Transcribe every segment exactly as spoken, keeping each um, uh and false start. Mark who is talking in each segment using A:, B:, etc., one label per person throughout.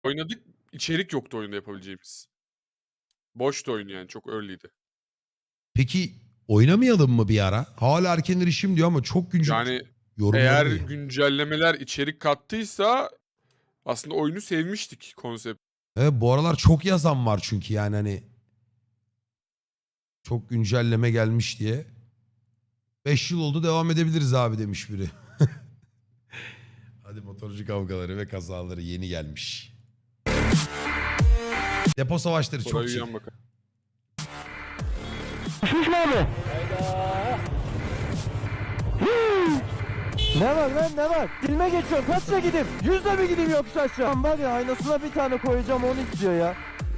A: Oynadık, içerik yoktu oyunda yapabileceğimiz. Boştu oyun yani, çok early'di.
B: Peki oynamayalım mı bir ara? Hala erken erişim diyor ama çok güncel.
A: Yani
B: Yorumları
A: eğer
B: da iyi.
A: güncellemeler içerik kattıysa aslında oyunu sevmiştik konsept.
B: Evet, bu aralar çok yazan var çünkü yani hani çok güncelleme gelmiş diye. beş yıl oldu, devam edebiliriz abi demiş biri. Hadi motorcu kavgaları ve kazaları yeni gelmiş. Depo savaşları çok
A: Oraya
B: chill.
A: uyan bakalım.
C: Düşmüş mü abi? Ne var lan ne var? Dilme geçiyorum. Kaçla gideyim? Yüzle mi gideyim yoksa aşağı? Lan var ya, aynasına bir tane koyacağım, onu istiyor ya.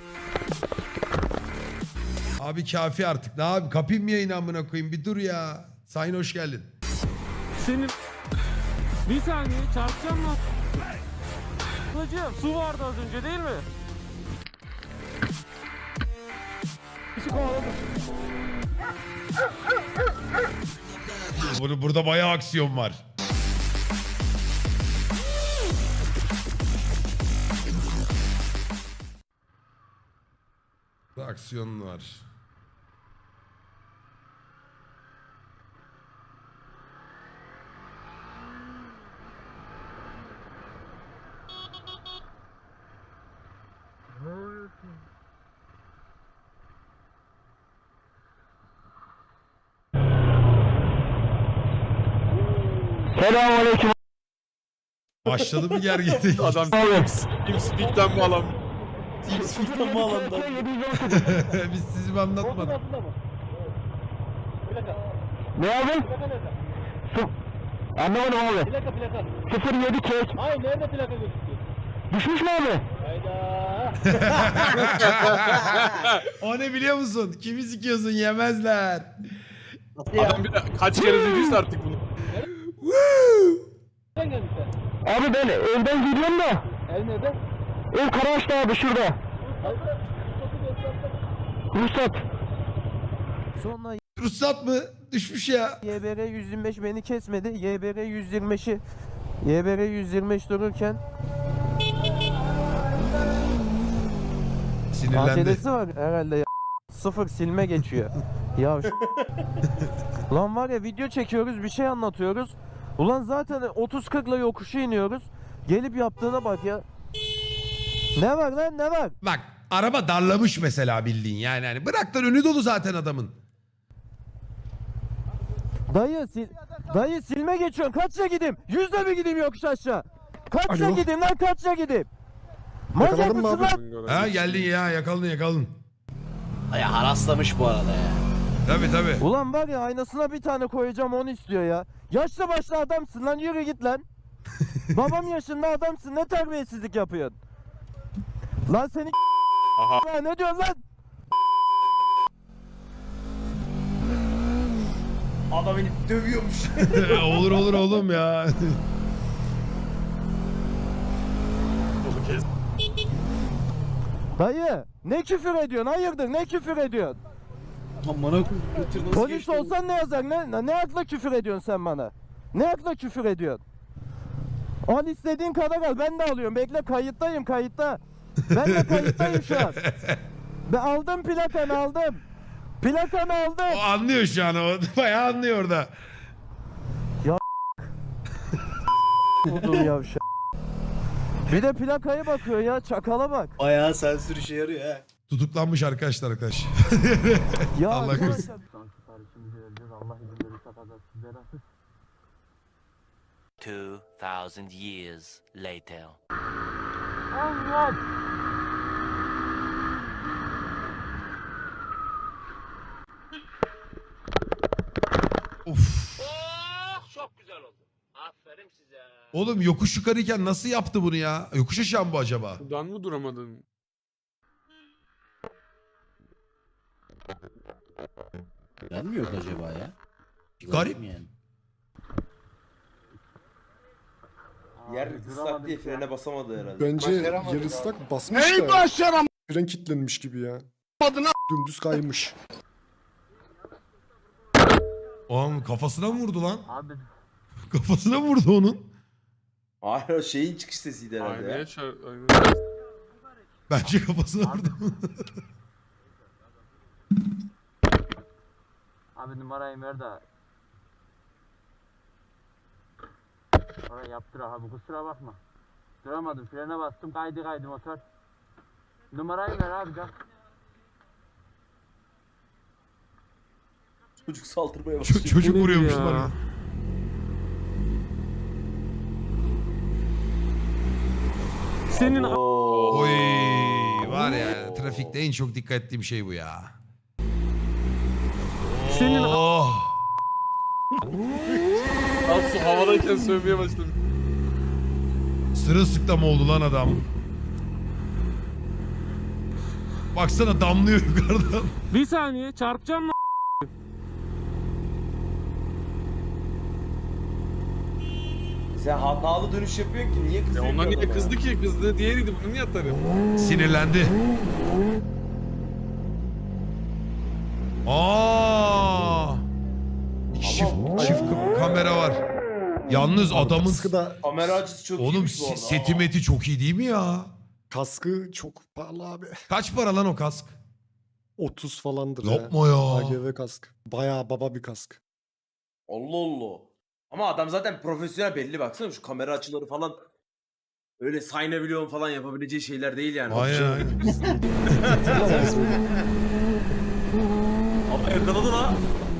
B: Abi kafi artık. Ne abi, kapayım mı yayını amına koyayım? Bir dur ya. Sayın hoş geldin.
D: Senin bir saniye çarpacağım mı? Hocam su vardı az önce değil mi?
B: Bur- Burada bayağı aksiyon var. Burada aksiyon var.
C: Selamünaleyküm.
B: Başladı mı gerginlik?
A: Adam TeamSpeak'ten bağlan.
D: Teamspeak'ten bağlandı.
B: Biz sizi mi anlatmadık?
C: Ne abi? Su... Anlamadım abi.
D: Plaka plaka.
C: sıfır yedi kek.
D: Hayır, nerede plaka gözüküyor?
C: Düşmüş mü abi?
D: Hayda.
B: O ne biliyor musun? Kimi sikiyorsun, yemezler.
A: Adam bir de kaç kere dediyse artık bunu.
D: Nereden gelmişler?
C: Abi ben evden geliyorum da.
D: El nerede?
C: Ev Karaağaç'ta abi, şurada. Ruhsat. Sonra
B: Ruhsat mı? Düşmüş ya.
C: Y B R yüz yirmi beş beni kesmedi. Y B R yüz yirmi beşi Y B R yüz yirmi beş dururken
B: Sinirlendi.
C: A T D'si var herhalde ya. Sıfır silme geçiyor. Ya şu- Lan var ya, video çekiyoruz, bir şey anlatıyoruz. Ulan zaten otuz kırkla yokuşu iniyoruz. Gelip yaptığına bak ya. Ne var lan, ne var?
B: Bak araba darlamış mesela bildiğin yani. Hani bırak lan, önü dolu zaten adamın.
C: Dayı sil Dayı silme geçiyorsun. Kaçça gideyim? Yüzle mi gideyim yokuş aşağı? Kaçça
E: Alo.
C: gideyim lan, kaçça gideyim? Manyak
E: Yakaladın mı
C: mısın
E: abi?
C: lan?
B: Ha geldin ya, yakaladın yakaladın.
F: Ya haraslamış bu arada ya.
B: Tabii tabii.
C: Ulan var ya, aynasına bir tane koyacağım, onu istiyor ya. Yaşlı başlı adamsın lan, yürü git lan. Babam yaşında adamsın, ne terbiyesizlik yapıyorsun? Lan seni
A: Aha.
C: ya, ne diyorsun lan?
F: Adam beni dövüyormuş.
B: Olur olur oğlum ya.
C: Dayı ne küfür ediyorsun, hayırdır, ne küfür ediyorsun?
F: Aman götür nasıl
C: Polis
F: geçti
C: olsan ne yazar, ne, ne akla küfür ediyorsun sen bana? Ne akla küfür ediyorsun? Al istediğin kadar al, ben de alıyorum, bekle, kayıttayım, kayıtta. Ben de kayıttayım şu an. Ben aldım plakanı, aldım. Plakanı aldım.
B: O anlıyor şu an, o bayağı anlıyor orada.
C: Vurdum yavşak. Bir de plakaya bakıyor ya, çakala bak.
F: bu? Bayağı sensör işe yarıyor ha.
B: Tutuklanmış arkadaşlar arkadaş.
C: Ya
B: Allah
C: arkadaşlar-
B: korusun.
G: Two thousand years later.
B: Of.
G: Çok güzel oldu. Aferin size.
B: Oğlum yokuş yukarıyken nasıl yaptı bunu ya? Yokuş aşağı mı bu acaba?
A: Buradan mı duramadın?
F: Ben mi yok acaba ya?
B: Garip.
F: Yani.
H: Yer ıslak diye frene basamadı herhalde.
E: Bence yer ıslak basmış da. Başaram. Fren kilitlenmiş gibi ya. Dümdüz kaymış.
B: Oğlum kafasına mı vurdu lan? Abi. Kafasına mı vurdu onun?
H: Hayır o şeyin çıkış sesiydi herhalde ya.
A: Aynaya çar... Aynaya...
B: Bence kafasına vurdum.
D: Abi numarayı ver de. Oraya yaptır abi, kusura bakma. Duramadım, frene bastım, kaydı kaydı motor. Numarayı ver abi, gel.
H: Çocuk saldırmaya
B: Ç-
H: başlıyor.
B: çocuk
D: Bu nedir
B: vuruyormuşlar
D: ya?
B: ya.
D: Senin
H: Oo.
B: Oy var ya trafikte en çok dikkat ettiğim şey bu ya.
D: Senin-
B: Oh.
A: Aksu havadayken sövmeye başladı.
B: Sırılsıklam oldu lan adam. Baksana damlıyor yukarıdan.
D: bir saniye çarpacağım lan.
H: Sen hatalı dönüş yapıyorsun ki niye
A: Ya
H: kızıyorsun?
A: ondan niye
H: adama?
A: kızdı ki? Kızdı diğeriydi. Bunu niye atarım?
B: Sinirlendi. Aa! İki çift, çift ka- kamera var. Yalnız adamın
E: Kaskı da
H: Kamera açısı çok
B: oğlum
H: iyiymiş bu
B: se-
H: arada.
B: seti meti çok iyi değil mi ya?
E: kaskı çok pahalı abi.
B: Kaç para lan o kask?
E: otuz falandır
B: Yapma
E: ya.
B: ya.
E: A G V kask. Bayağı baba bir kask.
H: Allah Allah. Ama adam zaten profesyonel belli, baksana şu kamera açıları falan. Öyle saynabilyon falan yapabileceği şeyler değil yani.
B: Aynen aynen.
H: Ama yakaladı la.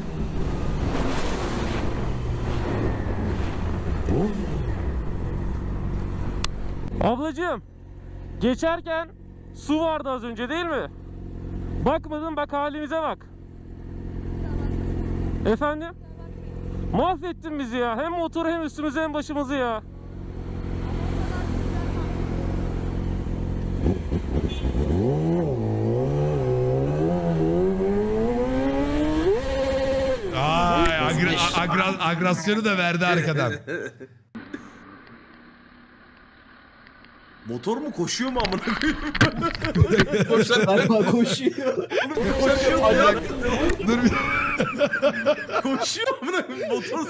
D: Ablacığım, geçerken su vardı az önce değil mi? Bakmadın, bak halimize bak. Efendim? Mahvettin bizi ya. Hem motoru hem üstümüzü hem başımızı ya.
B: Ay, agra- agra- agresyonu da verdi arkadan.
H: Motor mu koşuyor mu amına koyayım?
F: Galiba koşuyor.
H: Koşuyor ayak.
B: Dur bir
H: Koşuyor amına koyayım. Motor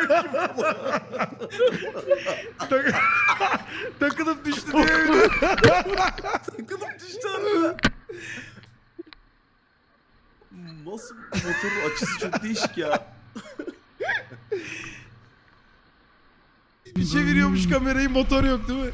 B: tak- takılıp düştü diye.
H: sıkılıp düştü arada. Nasıl motorun açısı çok değişik ya.
B: Bir çeviriyormuş kamerayı, motor yok değil mi?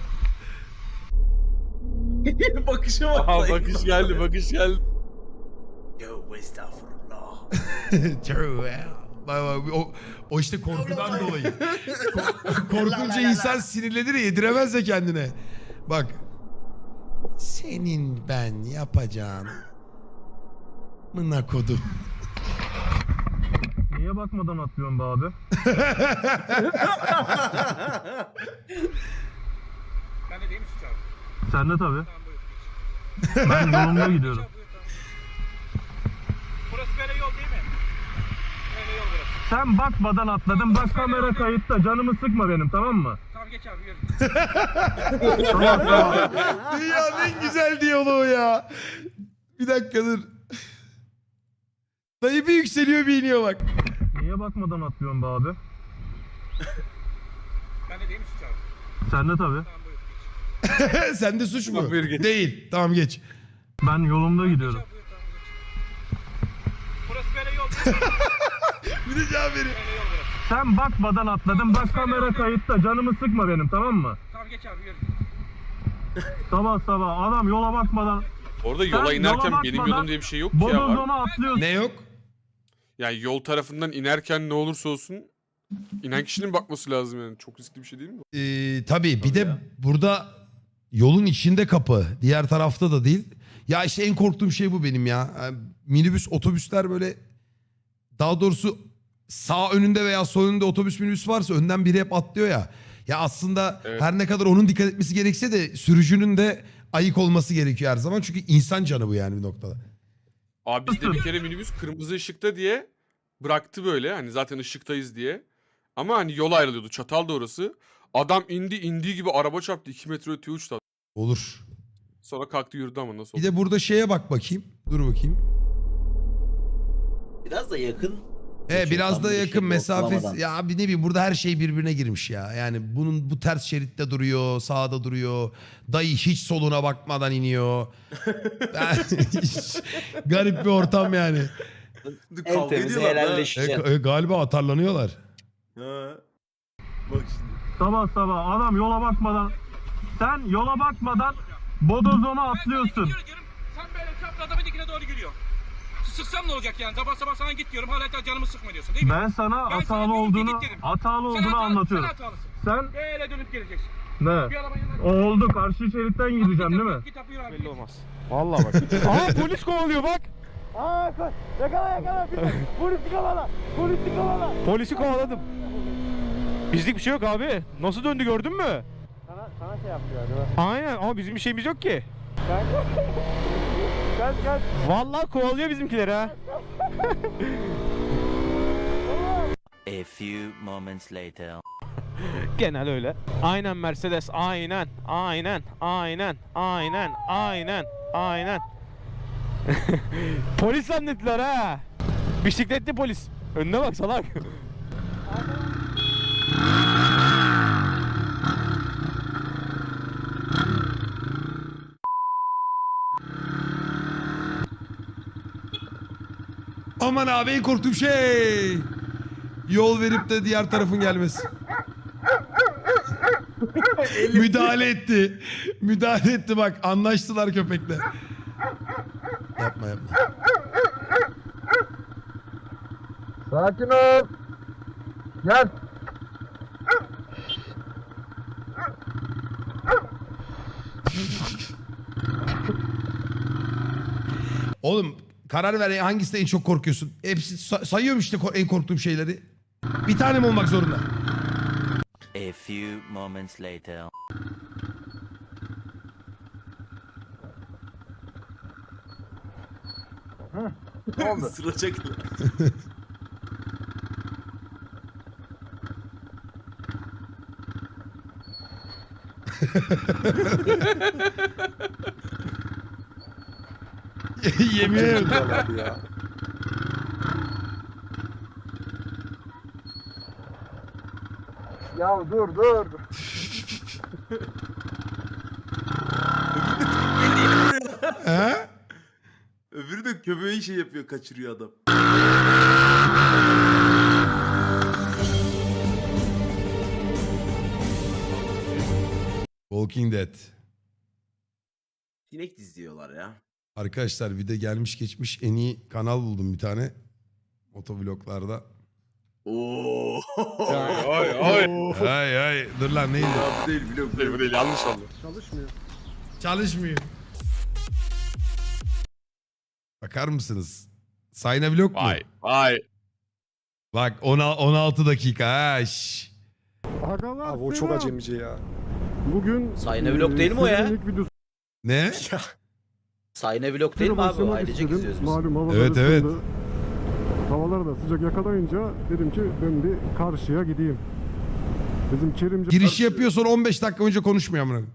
H: Bakışa bak.
A: Aha bakış geldi bakış geldi.
H: Yo estağfurullah.
B: True ya. Bak bak, o, o işte korkudan dolayı. Ko- korkunca insan sinirlenir ya, yediremez ya kendine. Bak. Senin ben yapacağın. Mına kodum.
D: Niye bakmadan atlıyorsun be abi?
G: Ben de değil mi şu çarpı?
D: Sen de tabii.
G: Tamam buyur.
D: Ben yolumda gidiyorum.
G: Burası böyle yol değil mi? Böyle yol burası.
D: Sen bakmadan atladın. Bak kamera kayıtta. Canımı sıkma benim, tamam mı?
G: Tamam geç abi yürü.
D: Tamam tamam.
B: Dünyanın en güzel diyaloğu ya. Bir dakika dur. Dayı bir yükseliyor bir iniyor bak.
D: Niye bakmadan atlıyorsun be abi?
G: Ben de değil mi şu çarpı?
D: Sen de tabii.
G: Tamam buyur geç.
B: Sende suç mu?
A: Tamam, buyur geç.
B: Değil. Tamam geç.
D: Ben yolumda gidiyorum.
G: Geç abi, buyur, tamam geç. Burası böyle yol değil mi?
B: Bir de cevap veriyor.
G: Böyle yol burası.
D: Sen bakmadan atladın. Bak kamera kayıtta. Canımı sıkma benim, tamam mı?
G: Tamam geç abi yürü.
D: Sabah sabah adam yola bakmadan
A: Orada yola
D: Sen
A: inerken
D: yola
A: benim
D: bakmadan
A: yolum diye bir şey yok ki ya. Var.
D: bodozona atlıyorsun.
B: Ne yok?
A: Yani yol tarafından inerken ne olursa olsun inen kişinin bakması lazım yani. Çok riskli bir şey değil mi?
B: Ee, tabii bir de burada yolun içinde kapı. Diğer tarafta da değil. Ya işte en korktuğum şey bu benim ya. Yani minibüs, otobüsler böyle, daha doğrusu sağ önünde veya sol önünde otobüs minibüs varsa önden biri hep atlıyor ya. Ya aslında
A: Evet.
B: her ne kadar onun dikkat etmesi gerekse de sürücünün de ayık olması gerekiyor her zaman. Çünkü insan canı bu yani bir noktada.
A: Abi bizde bir kere minibüs kırmızı ışıkta diye bıraktı böyle. Hani zaten ışıktayız diye. Ama hani yol ayrılıyordu. Çatal da orası. Adam indi indiği gibi araba çarptı. iki metre öteye uçtu.
B: Olur.
A: Sonra kalktı yürüdü ama nasıl
B: Bir
A: oldu?
B: de burada şeye bak bakayım. Dur bakayım.
F: Biraz da yakın
B: E
F: Geçiyor,
B: biraz
F: tam
B: da
F: böyle
B: yakın
F: şey,
B: mesafe.
F: ortalamadan.
B: Ya abi ne bileyim burada her şey birbirine girmiş ya. Yani bunun bu ters şeritte duruyor, sağda duruyor. Dayı hiç soluna bakmadan iniyor. Yani hiç- garip bir ortam yani.
H: Kavga
F: En temizi
H: ediyorlar lan.
B: E,
F: helalleşeceksin.
B: e, galiba atarlanıyorlar.
H: Ha. Bak şimdi.
G: Sabah sabah adam yola bakmadan, sen yola bakmadan bodozona atlıyorsun.
I: Sen böyle çaprazda bir dikine doğru giriyor. Sıksam ne olacak yani? Sabah sabah sana git diyorum. Hala canımı sıkma diyorsun değil mi?
G: Ben sana
I: Ben sana
G: hatalı
I: diyorum ki
G: olduğunu
I: git dedim.
G: hatalı
I: Sen
G: olduğunu
I: hatalı-
G: anlatıyorum.
I: Sen hatalısın.
G: Sen
I: Böyle dönüp geleceksin.
G: ne?
I: Bir arabanın yanına
G: Oldu, karşı şeritten gideceğim değil mi?
I: git yapıyor abi.
G: Belli olmaz. Vallahi bak. Aa polis kovalıyor bak.
C: Aa koy. Yakala yakala. Polisi kovala. Polisi kovala.
G: Polisi kovaladım. Bizlik bir şey yok abi. Nasıl döndü gördün mü?
C: Sana, sana şey yapıyor acaba.
G: Aynen ama bizim bir şeyimiz yok ki.
C: Kaç kaç.
G: Vallahi kovalıyor bizimkileri ha.
J: A few moments later.
G: Genel öyle. Aynen Mercedes, aynen, aynen, aynen, aynen, aynen, aynen. Polis zannettiler ha. Bisikletli polis. Önüne bak salak.
B: Aman abi en korktuğum şey. Yol verip de diğer tarafın gelmesi. Müdahale etti. Müdahale etti bak. Anlaştılar köpekle. Yapma yapma.
C: Sakin ol. Gel.
B: Oğlum karar ver hangisinden en çok korkuyorsun? Hepsi sa- sayıyorum işte ko- en korktuğum şeyleri. Bir tane mi olmak zorunda?
J: A few moments later.
H: Isıracak.
B: Yemin ederim.
E: Abi ya.
C: Ya dur dur.
B: He?
H: Öbürü de köpeği şey yapıyor, kaçırıyor adam.
B: Walking Dead.
H: Sinek diziyorlar ya.
B: Arkadaşlar bir de gelmiş geçmiş en iyi kanal buldum bir tane. Motovloglarda.
H: Oo.
A: Ay ay.
B: Ay ay dur lan neydi?
H: Ya bu değil biliyorum.
A: Değil bu değil yanlış oldu.
E: Çalışmıyor.
B: Çalışmıyor. Bakar mısınız? Sayna vlog mu?
A: Vay vay.
B: Bak on altı dakika ha. şş.
E: Abi o çok acemice ya.
G: Bugün
F: Sayne vlog değil mi o ya?
B: Ne?
F: Sayne vlog değil mi abi? O ailecek izliyoruz biz.
G: havalar
B: Evet evet.
G: Havalar da sıcak yakalayınca dedim ki ben bir karşıya gideyim. Bizim Kerimci
B: Giriş yapıyor sonra on beş dakika önce konuşmuyor amına.